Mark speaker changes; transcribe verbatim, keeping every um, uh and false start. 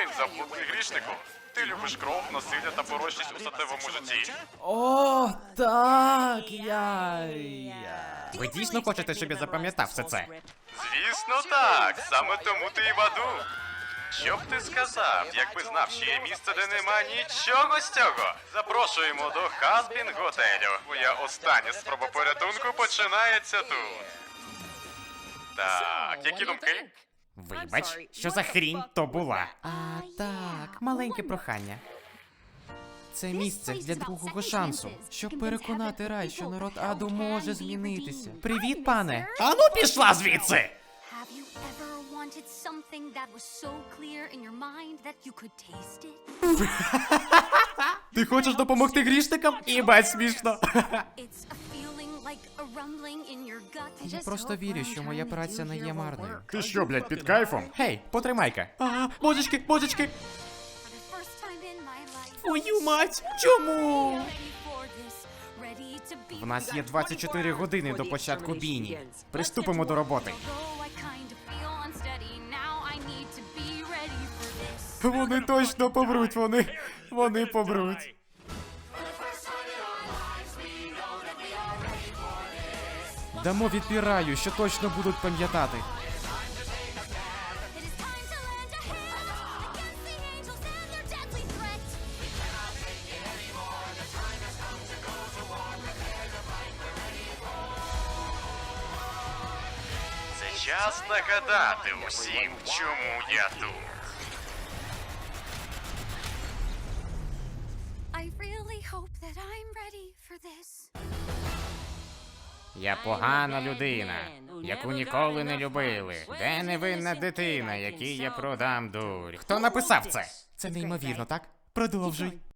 Speaker 1: День заблудний грішнику. Ти любиш кров, насилля та порочність у статевому житті?
Speaker 2: О, так, я... я...
Speaker 3: Ви дійсно хочете, щоб я запам'ятав все це?
Speaker 1: Звісно так, саме тому ти і в аду. Що б ти сказав, якби знав, що є місце, де нема нічого з цього? Запрошуємо до Хазбін готелю. Твоя остання спроба порятунку починається тут. Так, які думки?
Speaker 3: Вибач, що за хрінь то була?
Speaker 2: А, так, маленьке прохання. Це місце для другого шансу, щоб переконати рай, що народ аду може змінитися. Привіт, пане!
Speaker 3: Ану пішла звідси!
Speaker 4: Have you ever wanted something that was so clear in your mind that you could taste it?
Speaker 2: Ти хочеш допомогти грішникам?
Speaker 3: Їбать смішно.
Speaker 4: It's a feeling like a rumbling in your gut.
Speaker 2: Я просто вірю, що моя праця не є марною.
Speaker 3: Ти що, блядь, під кайфом? Гей, потримай-ка.
Speaker 2: А, божечки, божечки!
Speaker 4: For the first time in my life.
Speaker 2: Твою мать! Чому?
Speaker 4: Ready for this, ready to be
Speaker 3: В нас є двадцять чотири години до початку бійні. Приступимо до роботи.
Speaker 4: Although I kind of feel unsteady now, I need to be ready for this.
Speaker 2: Вони точно помруть, вони... вони помруть. Дамо відпіраю, що точно будуть пам'ятати.
Speaker 4: It is time to lend a hand against the angels and their deadly threat.
Speaker 1: Це час нагадати усім, чому я тут.
Speaker 4: I really hope that I'm ready for this.
Speaker 3: Я погана людина, яку ніколи не любили. Де невинна дитина, якій я продам дурь? Хто написав це?
Speaker 2: Це неймовірно, так? Продовжуй.